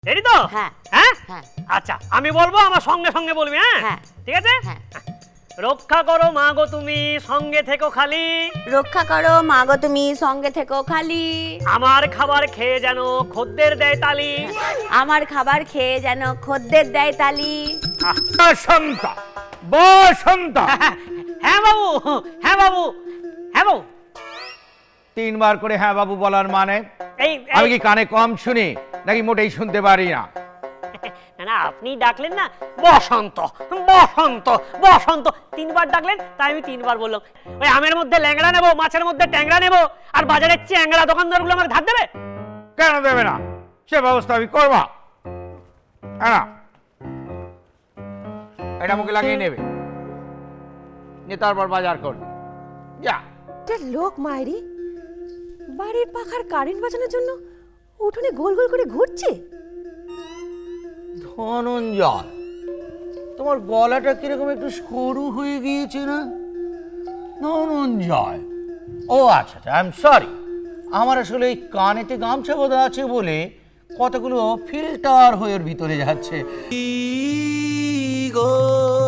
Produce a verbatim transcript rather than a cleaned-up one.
Ready তো? হ্যাঁ হ্যাঁ হ্যাঁ আচ্ছা আমি বলবো আমার সঙ্গে সঙ্গে বলবি, হ্যাঁ হ্যাঁ ঠিক আছে। হ্যাঁ রক্ষা করো মা গো তুমি সঙ্গে থেকো খালি, রক্ষা করো মা গো তুমি সঙ্গে থেকো খালি, আমার খাবার খেয়ে যেন খদ্দের দেয় তালি। আমার খাবার খেয়ে যেন খদ্দের দেয় তালি। বসন্ত বসন্ত হ্যাঁ বাবু, হ্যাঁ বাবু, হ্যাঁ বাবু। তিনবার করে হ্যাঁ বাবু বলার মানে এই আমি কি কানে কম শুনি নাকি মোটেই শুনতে পারি না? না না আপনি ডাকলেন না বসন্ত বসন্ত বসন্ত তিনবার ডাকলেন তাই আমি তিনবার বললাম। ওই আমের মধ্যে ল্যাংড়া নেবো, মাছের মধ্যে ট্যাংরা নেবো, আর বাজারের চ্যাংড়া দোকানদারগুলো আমাকে ধার দেবে? কেন দেবে না? সে ব্যবস্থা আমি করব। হ্যাঁ, এটা মুখে লাগিয়ে নেবে, নিয়ে তারপর বাজার করবে। যা একটা লোক মায়েরি বাড়ির পাখার কারেন্ট বাঁচানোর জন্য উঠোনে গোল গোল করে ঘুরছে। ধনঞ্জয়, তোমার গলাটা কিরকম একটু সরু হয়ে গিয়েছে না? ধনঞ্জয়, ও আচ্ছা আচ্ছা, আই এম সরি। আমার আসলে এই কানেতে গামছা বাঁধা আছে বলে কতগুলো ফিল্টার হয়ে ওর ভিতরে যাচ্ছে।